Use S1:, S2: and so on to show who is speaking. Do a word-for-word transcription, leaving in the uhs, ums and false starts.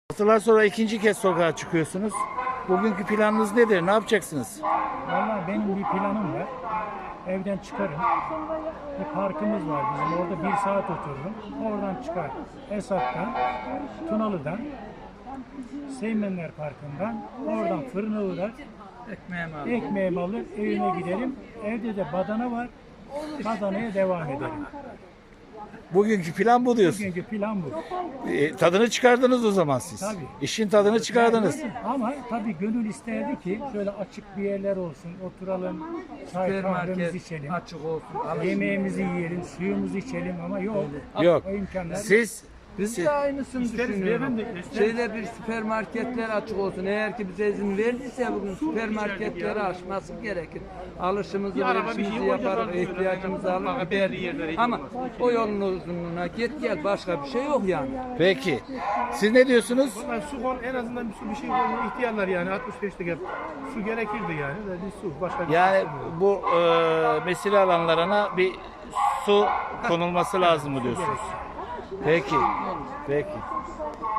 S1: Haftalar sonra ikinci kez sokağa çıkıyorsunuz. Bugünkü planınız nedir? Ne yapacaksınız?
S2: Vallahi benim bir planım var. Evden çıkarım. Bir parkımız var bizim. Orada bir saat otururum. Oradan çıkar. Esat'tan, Tunalı'dan, Seymenler Parkı'ndan, oradan fırına uğrar.
S3: Ekmeğimi aldım.
S2: Ekmeğimi alır, evime giderim. Evde de badana var. Badanaya devam ederim.
S1: Bugünkü plan bu diyorsun.
S2: Bugünkü plan bu.
S1: E, tadını çıkardınız o zaman siz.
S2: Tabii.
S1: İşin tadını çıkardınız.
S2: Ama tabii gönül isterdi ki şöyle açık bir yerler olsun. Oturalım, çay kahvemizi
S3: Süpermarket
S2: içelim.
S3: açık olsun.
S2: Yemeğimizi yiyelim, suyumuzu içelim ama yok.
S1: Yok.
S2: O imkanlar
S1: Siz
S3: Biz
S1: siz-
S3: de aynısını
S2: İsteriz
S3: düşünüyoruz.
S2: beyefendi, isteriz.
S3: Şeyde bir süpermarketler açık olsun. Eğer ki bize izin verdiyse bugün süpermarketleri açması gerekir. Alışımızı, verişimizi yaparız, ihtiyacımızı alır gideriz. Ama o yolun uzunluğuna git gel başka bir şey yok yani.
S1: peki. Siz ne diyorsunuz?
S4: Yani su kon en azından bir su bir şey koyma ihtiyarlar yani altmış beşte gel. Su gerekirdi yani de bir su başka bir
S1: Yani
S4: şey istemiyorum.
S1: bu e, mesire alanlarına bir su konulması lazım mı diyorsunuz? Peki. Peki.